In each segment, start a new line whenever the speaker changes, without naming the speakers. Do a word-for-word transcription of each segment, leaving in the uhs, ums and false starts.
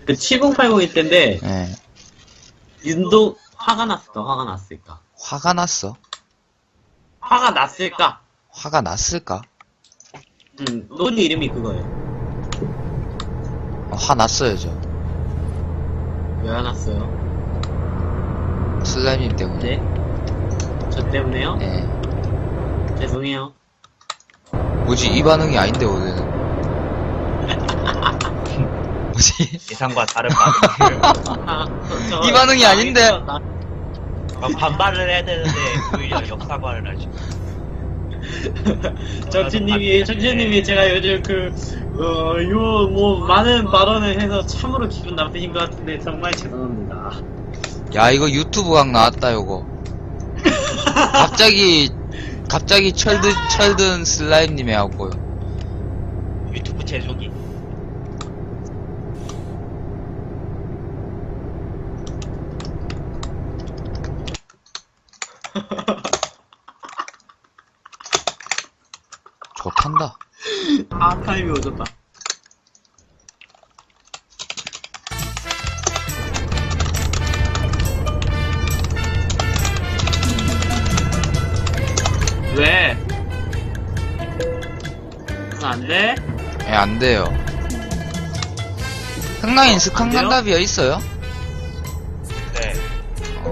그 칠공팔공일 텐데
예.
윤도 화가 났을까 화가 났을까
화가 났어?
화가 났을까?
화가 났을까?
응 논이 이름이 그거예요.
어, 화 났어요, 저.
왜 안 왔어요?
슬라임님 때문에.
네? 저 때문에요?
예.
죄송해요.
뭐지, 이 반응이 아닌데, 원래는. 뭐지?
예상과 다른 반응을.
아, 저, 저,
이 반응이
아,
아닌데.
나-
어, 반발을 해야 되는데 오히려 역사과를 하죠.
정치님이, 정치님이 제가 요즘 그, 어, 요, 뭐, 많은 발언을 해서 참으로 기분 나쁘신 것 같은데, 정말 죄송합니다.
야, 이거 유튜브 각 나왔다, 요거. 갑자기, 갑자기 철든, 철든 슬라임님이 하고요.
유튜브 제조기.
좋단다.
아, 타임이 오졌다. 왜? 그거 안 돼?
예, 안 돼요. 흥라인 스칸
안 돼요?
간다비어 있어요?
네.
어,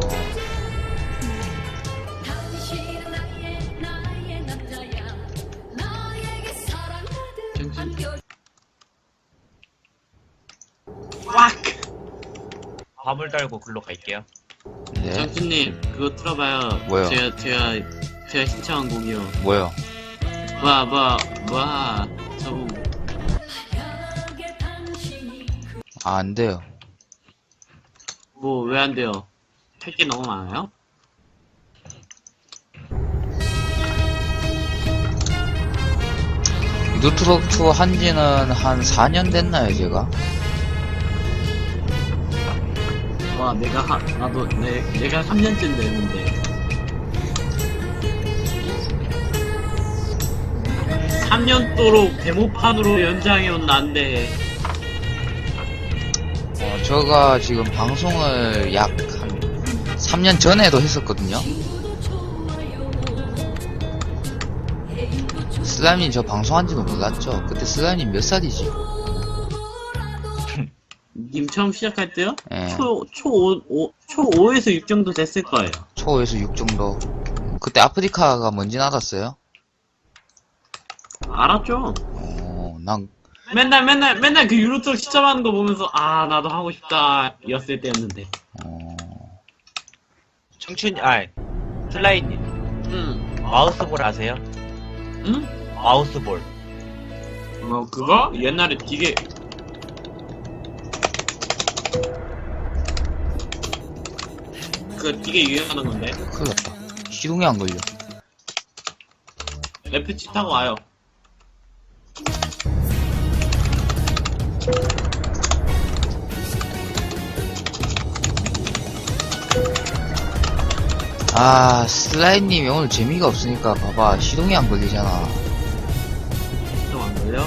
꽉!
화물 달고 글로 갈게요.
네.
정수님, 그거 틀어봐요.
뭐요?
제가, 제가, 제가 신청한 곡이요.
뭐요?
뭐, 뭐, 뭐, 저거,
아, 안 돼요.
뭐, 왜 안 돼요? 할 게 너무 많아요?
뉴트럭 투어 한지는 한 사 년 됐나요, 제가?
와, 내가, 하, 나도, 내, 내가 삼 년쯤 됐는데. 삼 년도록 데모판으로 연장해온 난데.
어, 제가 지금 방송을 약 한 삼 년 전에도 했었거든요. 슬라임님 저 방송한지도 몰랐죠? 그때 슬라임님 몇 살이지?
님 처음 시작할 때요?
예.
초, 초 오, 오, 초 오에서 육 정도 됐을 거예요.
초에서 육 정도. 그때 아프리카가 뭔진 알았어요?
알았죠?
어, 난,
맨날, 맨날, 맨날 그 유로톡 시점하는 거 보면서, 아, 나도 하고 싶다, 였을 때였는데.
어,
청춘, 아, 슬라이님.
응.
마우스볼 아세요?
응?
마우스볼.
뭐, 그거? 옛날에 되게, 그거 되게 유행하는 건데.
큰일 났다. 시동이 안 걸려.
에프치 타고 와요.
아, 슬라임님이 오늘 재미가 없으니까 봐봐. 시동이 안 걸리잖아.
좀 안 걸려?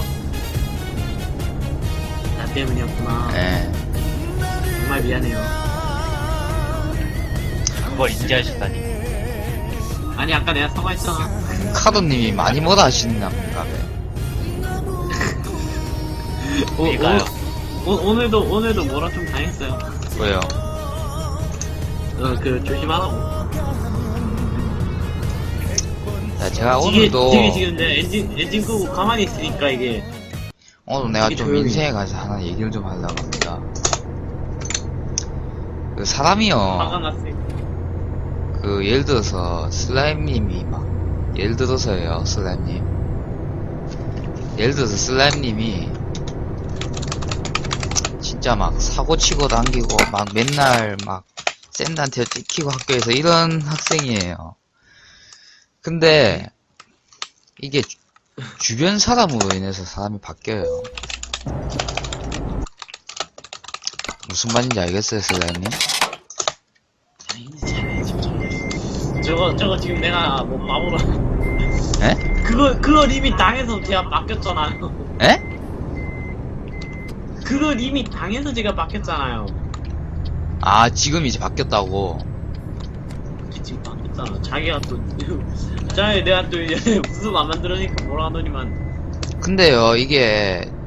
나 때문이었구나.
예.
정말 미안해요.
그걸 인지하시다니.
아니, 아까 내가 사과했잖아.
카도님이 많이 뭐라 하시는가 봐.
오,
이가요.
오, 오, 오늘도, 오늘도 뭐라 좀 당했어요.
왜요?
어, 그, 조심하라고.
야, 제가
이게,
오늘도,
되게 지금 내가 엔진, 엔진 끄고 가만히 있으니까 이게,
오늘 내가
되게
좀
조용히.
인생에 관해서 하나 얘기를 좀 하려고 합니다. 그 사람이요,
화가 났으니까.
그 예를 들어서 슬라임님이 막, 예를 들어서요, 슬라임님. 예를 들어서 슬라임님이 진짜 막 사고치고 당기고 막 맨날 막 샌드한테 찍히고 학교에서 이런 학생이에요. 근데 이게 주, 주변 사람으로 인해서 사람이 바뀌어요. 무슨 말인지 알겠어요, 슬라임님?
저거, 저거 지금 내가 뭐 바보라.
에?
그거, 그거 이미 당해서 제가 바뀌었잖아요.
에?
그건 이미 당해서 제가 바뀌었잖아요.
아, 지금 이제 바뀌었다고.
지금 바뀌었잖아. 자기가 또, 자기 내가 또 이제 무슨 안 만들으니까 뭐라 하더니만.
근데요, 이게